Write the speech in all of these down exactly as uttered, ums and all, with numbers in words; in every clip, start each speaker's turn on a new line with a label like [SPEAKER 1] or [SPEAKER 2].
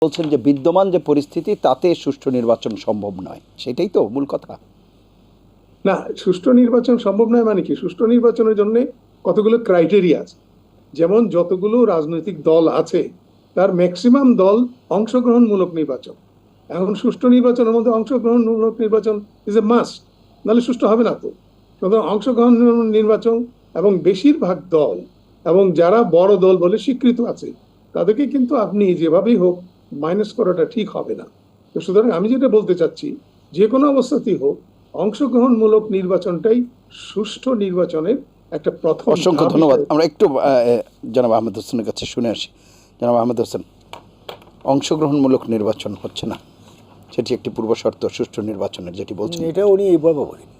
[SPEAKER 1] বলছেন যে বিদ্যমান যে পরিস্থিতি তাতে সুষ্ঠু নির্বাচন সম্ভব নয়, সেটাই তো মূল কথা।
[SPEAKER 2] না, সুষ্ঠু নির্বাচন সম্ভব নয় মানে কি? সুষ্ঠু নির্বাচনের জন্য কতগুলো ক্রাইটেরিয়া আছে। যেমন যতগুলো রাজনৈতিক দল আছে তার ম্যাক্সিমাম দল অংশগ্রহণমূলক নির্বাচন। এখন সুষ্ঠু নির্বাচনের মধ্যে অংশগ্রহণমূলক নির্বাচন ইজ এ মাস্ট, নাহলে সুষ্ঠু হবে না তো। সুতরাং অংশগ্রহণ নির্বাচন এবং বেশিরভাগ দল এবং যারা বড় দল বলে স্বীকৃত আছে তাদেরকে কিন্তু আপনি যেভাবেই হোক মাইনাস করাটা ঠিক হবে না। তো সুতরাং আমি যেটা বলতে চাচ্ছি, যে কোনো অবস্থাতেই হোক অংশগ্রহণমূলক নির্বাচনটাই সুষ্ঠু নির্বাচনের একটা প্রথম।
[SPEAKER 1] অসংখ্য ধন্যবাদ। আমরা একটু জনাব আহমেদ হোসেনের কাছে শুনে আসি। জনাব আহমেদ হোসেন, অংশগ্রহণমূলক নির্বাচন হচ্ছে না, সেটি একটি পূর্বশর্ত সুষ্ঠু নির্বাচনের, যেটি বলছেন।
[SPEAKER 3] এটা উনি এইভাবে বলেননি,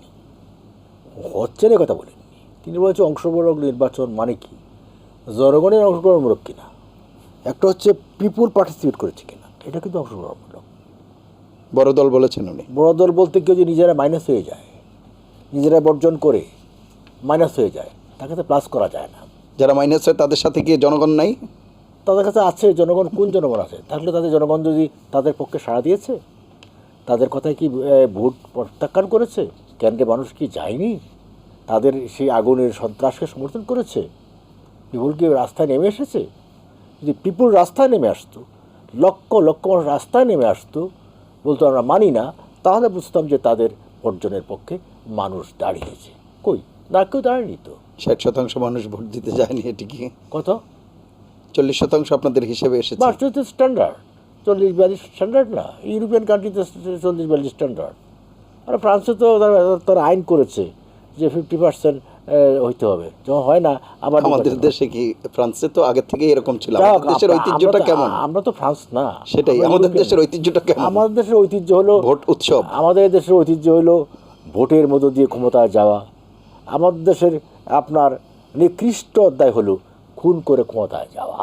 [SPEAKER 3] হচ্ছে না কথা বলেননি। তিনি বলছেন অংশগ্রহণমূলক নির্বাচন মানে কি, জনগণের অংশগ্রহণমূলক কিনা। একটা হচ্ছে পিপুল পার্টিসিপেট করেছে কিনা, এটা কিন্তু অংশগ্রহণমূলক।
[SPEAKER 1] বড় দল বলেছেন উনি।
[SPEAKER 3] বড় দল বলতে কেউ যে নিজেরা মাইনাস হয়ে যায়, নিজেরা বর্জন করে মাইনাস হয়ে যায়, তাকে তো প্লাস করা যায় না।
[SPEAKER 1] যারা মাইনাস হয় তাদের সাথে কি জনগণ নাই?
[SPEAKER 3] তাদের কাছে আছে জনগণ। কোন জনগণ আছে? তাহলে তাদের জনগণ যদি তাদের পক্ষে সাড়া দিয়েছে, তাদের কথায় কি ভোট প্রত্যাখ্যান করেছে? কেন্দ্রে মানুষ কি যায়নি? তাদের সেই আগুনের সন্ত্রাসকে সমর্থন করেছে? পিপুল কি রাস্তায় নেমে এসেছে? যদি পিপুল রাস্তায় নেমে আসতো, লক্ষ লক্ষ মানুষ রাস্তায় নেমে আসতো, বলতো আমরা মানি না, তাহলে বুঝতাম যে তাদের অর্জনের পক্ষে মানুষ দাঁড়িয়েছে। কই, না, কেউ দাঁড়ায়নি তো।
[SPEAKER 1] ষাট শতাংশ মানুষ ভোট দিতে যায়নি, এটি কি
[SPEAKER 3] কত?
[SPEAKER 1] চল্লিশ শতাংশ আপনাদের হিসেবে এসেছে?
[SPEAKER 3] বাস তো স্ট্যান্ডার্ড, চল্লিশ বিয়াল্লিশ স্ট্যান্ডার্ড না। ইউরোপিয়ান কান্ট্রিতে চল্লিশ বিয়াল্লিশ স্ট্যান্ডার্ড। আর ফ্রান্সে তো তারা আইন করেছে যে ফিফটি পার্সেন্ট হইতে হবে, যখন হয় না আবার।
[SPEAKER 1] আমাদের দেশে কি? ফ্রান্সে তো আগে থেকে এরকম ছিল। আমাদের দেশের ঐতিহ্যটা কেমন?
[SPEAKER 3] আমরা তো ফ্রান্স না।
[SPEAKER 1] সেটাই, আমাদের দেশের ঐতিহ্যটা কেমন?
[SPEAKER 3] আমাদের দেশের ঐতিহ্য হলো
[SPEAKER 1] ভোট উৎসব।
[SPEAKER 3] আমাদের দেশের ঐতিহ্য হলো ভোটের মধ্য দিয়ে ক্ষমতায় যাওয়া। আমাদের দেশের আপনার নিকৃষ্ট অধ্যায় হলো খুন করে ক্ষমতায় যাওয়া।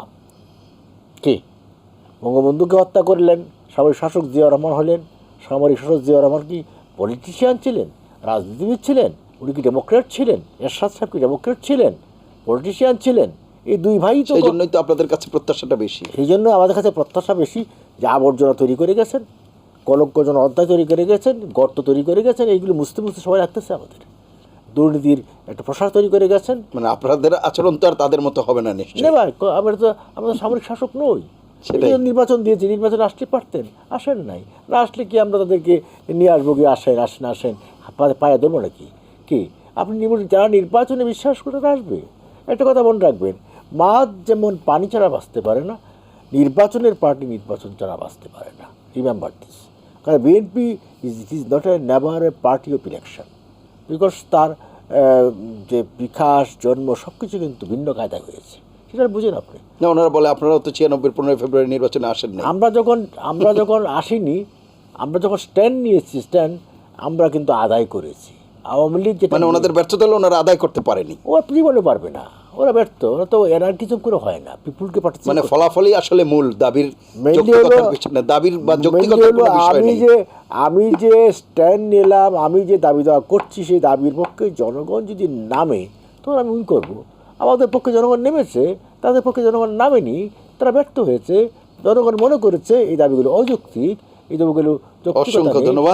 [SPEAKER 3] কি, বঙ্গবন্ধুকে হত্যা করলেন, সামরিক শাসক জিয়াউর রহমান হলেন। সামরিক শাসক জিয়াউর রহমান কি পলিটিশিয়ান ছিলেন, রাজনীতিবিদ ছিলেন? উনি কি ডেমোক্রেট ছিলেন? এরশাদ সাহেব কি ডেমোক্রেট ছিলেন, পলিটিশিয়ান ছিলেন? এই দুই ভাই তো।
[SPEAKER 1] সেই জন্যই তো আপনাদের কাছে প্রত্যাশাটা বেশি।
[SPEAKER 3] সেই জন্য আমাদের কাছে প্রত্যাশা বেশি, যে আবর্জনা তৈরি করে গেছেন, কলঙ্কজন অধ্যায় তৈরি করে গেছেন, গর্ত তৈরি করে গেছেন, এইগুলো মুছতে মুছতে সবাই রাখতেছে। আমাদের দুর্নীতির একটা প্রসার তৈরি করে গেছেন।
[SPEAKER 1] মানে আপনাদের আচরণ তো আর তাদের মতো হবে না নিশ্চয়ই।
[SPEAKER 3] না ভাই, আমরা তো আমরা সামরিক শাসক নই।
[SPEAKER 1] সেটাই।
[SPEAKER 3] নির্বাচন দিয়েছি, নির্বাচন আসতে পারতেন, আসেন নাই। না আসলে কি আমরা তাদেরকে নিয়ে আসবো? কি আসেন, আসেন, আসেন, পায়ে ধরবো নাকি? কি আপনি যারা নির্বাচনে বিশ্বাস করে আসবে? একটা কথা মনে রাখবেন, মাছ যেমন পানি ছাড়া বাঁচতে পারে না, নির্বাচনের পার্টি নির্বাচন ছাড়া বাঁচতে পারে না। Remember this. কারণ BNP is it is not a never a party of election, because তার যে বিকাশ, জন্ম সব কিছু কিন্তু ভিন্ন কায়দায় হয়েছে। সেটা বুঝেন আপনি?
[SPEAKER 1] না, ওনারা বলে আপনারাও তো ছিয়ানব্বই পনেরোই ফেব্রুয়ারি নির্বাচনে আসেন না।
[SPEAKER 3] আমরা যখন আমরা যখন আসিনি, আমরা যখন স্ট্যান্ড নিয়েছি, স্ট্যান্ড আমরা কিন্তু আদায় করেছি। আওয়ামী লীগ যেটা,
[SPEAKER 1] মানে ওনাদের ব্যর্থতা হলো ওনারা আদায় করতে পারেনি।
[SPEAKER 3] ওরা জীবনে পারবে না, ওরা ব্যর্থ। ওরা তো এনার্কিজম করে হয় না, পিপুলকে পার্টিসিপেট।
[SPEAKER 1] মানে ফলাফলই আসলে মূল দাবির না, দাবির বা
[SPEAKER 3] যৌক্তিকতার বিষয় নেই। আমি যে আমি যে স্ট্যান্ড নিলাম, আমি যে দাবি দেওয়া করছি, সেই দাবির পক্ষে জনগণ যদি নামে তখন আমি উই করবো। আমাদের পক্ষে জনগণ নেমেছে, তাদের পক্ষে জনগণ নামেনি, তারা ব্যর্থ হয়েছে। জনগণ মনে করেছে এই দাবিগুলো অযৌক্তিক, এই দাবিগুলো যৌক্তিকতা নেই।
[SPEAKER 1] অসংখ্য ধন্যবাদ।